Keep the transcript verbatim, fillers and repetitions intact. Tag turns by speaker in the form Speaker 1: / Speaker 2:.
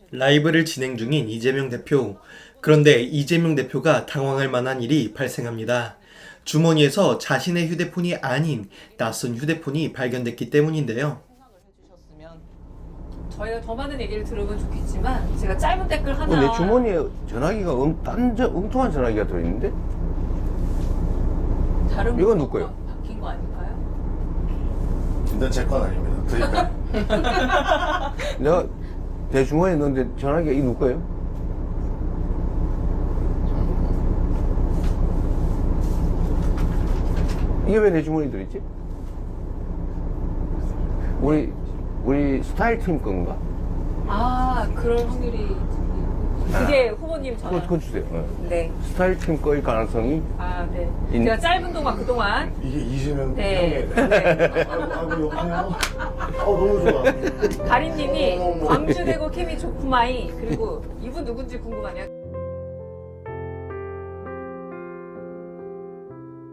Speaker 1: 라이브를 진행 중인 이재명 대표. 그런데 이재명 대표가 당황할 만한 일이 발생합니다. 주머니에서 자신의 휴대폰이 아닌 낯선 휴대폰이 발견됐기 때문인데요.
Speaker 2: 저희가 더 많은 얘기를 들으면 좋겠지만 제가 짧은 댓글 하나.
Speaker 3: 어, 내 주머니에 전화기가 엉, 딴, 엉뚱한 전화기가 들어있는데?
Speaker 2: 다른
Speaker 3: 이건
Speaker 2: 번호가
Speaker 3: 누구 거예요?
Speaker 2: 바뀐 거 아닐까요?
Speaker 4: 일단 제 건 아닙니다. 그러니까
Speaker 3: 내가 내 주머니에 넣었는데 전화기가 이 누구 거예요? 이게 왜 내 주머니에 들어있지? 우리, 우리 스타일 팀 건가?
Speaker 2: 아, 그럴 확률이. 그게 후보님 전화.
Speaker 3: 그거, 그거 주세요. 네.
Speaker 2: 네.
Speaker 3: 스타일 팀 거일 가능성이
Speaker 2: 아, 네.
Speaker 3: 인-
Speaker 2: 제가 짧은 동안 그동안.
Speaker 4: 이게 이재명
Speaker 2: 네.
Speaker 4: 형의
Speaker 2: 네.
Speaker 4: 아이고, 아이고 여보세요? 아 너무 좋아.
Speaker 2: 가린님이 광주대고 케미 좋구마이. 그리고 이분 누군지 궁금하네요.